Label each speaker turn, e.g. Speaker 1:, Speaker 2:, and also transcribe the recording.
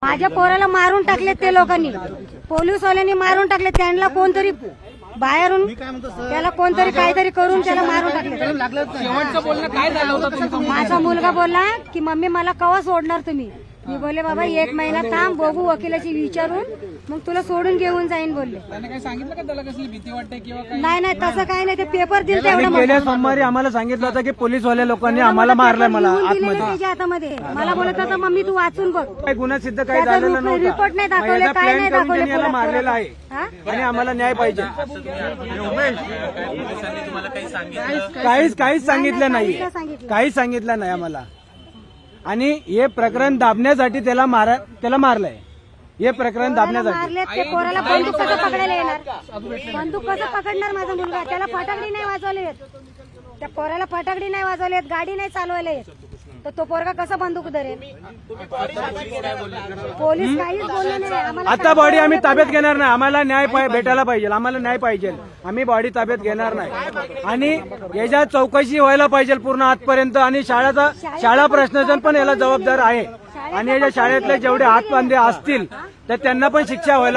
Speaker 1: माझ्या पोराला मारून टाकले ते लोकांनी, पोलीसवाल्यांनी मारून टाकले. त्यांना कोणतरी बाहेरून त्याला कोणतरी काहीतरी करून त्याला मारून टाकले.
Speaker 2: शेवटचं बोलणं काय झालं होतं तुमचं?
Speaker 1: माझा मुलगा बोलला की मम्मी मला केव्हा सोडणार तुम्ही. मी बोलले बाबा 1 महिना थांब, बघू वकिलाची विचारून मग तुला सोडून घेऊन जाईन बोलले.
Speaker 2: त्याने काही सांगितलं का त्याला कसली भीती वाटते किंवा काय?
Speaker 1: नाही तसं काही नाही, ते पेपर दिल
Speaker 3: आणि
Speaker 1: तेवढं
Speaker 3: गेल्या सोमवारी आम्हाला सांगितलं होतं की पोलीसवाल्या लोकांनी आम्हाला मारलंय मला आतमध्ये.
Speaker 1: त्याच्या हातामध्ये मला बोलत होता मम्मी तू वाचून बघ.
Speaker 3: काही गुन्हा सिद्ध काही झालेला नव्हता.
Speaker 1: रिपोर्ट नाही दाखवले,
Speaker 3: याचा
Speaker 1: काय
Speaker 3: प्लॅन
Speaker 1: नाही
Speaker 3: करून
Speaker 1: दाखवले.
Speaker 3: त्यांनी याला मारलेला आहे
Speaker 1: हा?
Speaker 3: आणि आम्हाला न्याय पाहिजे. काहीच सांगितलं नाही, काहीच सांगितलं नाही आम्हाला. आणि हे प्रकरण दाबण्यासाठी त्याला मारलंय. हे प्रकरण दाबण्यासाठी
Speaker 1: मारले ते पोराला बंदूक कसं पकडायला येणार? बंदूक कसं पकडणार माझा मुलगा? त्याला फटाकडी नाही वाजवले येत, त्या पोराला फटाकडी नाही वाजवले येत, गाडी नाही चालवायला येत, तर तो पोरगा कसा बंदूक धरेल? पोलीस काहीच बोलले नाही आम्हाला.
Speaker 3: आता बॉडी आम्ही ताब्यात घेणार नाही. आम्हाला न्याय भेटायला पाहिजे, आम्हाला न्याय पाहिजे. आम्ही बॉडी ताब्यात घेणार नाही आणि याच्या चौकशी व्हायला पाहिजे पूर्ण आजपर्यंत. आणि शाळा प्रशासन पण याला जबाबदार आहे आणि याच्या शाळेतले जेवढे हातबांधे असतील तर त्यांना पण शिक्षा व्हायला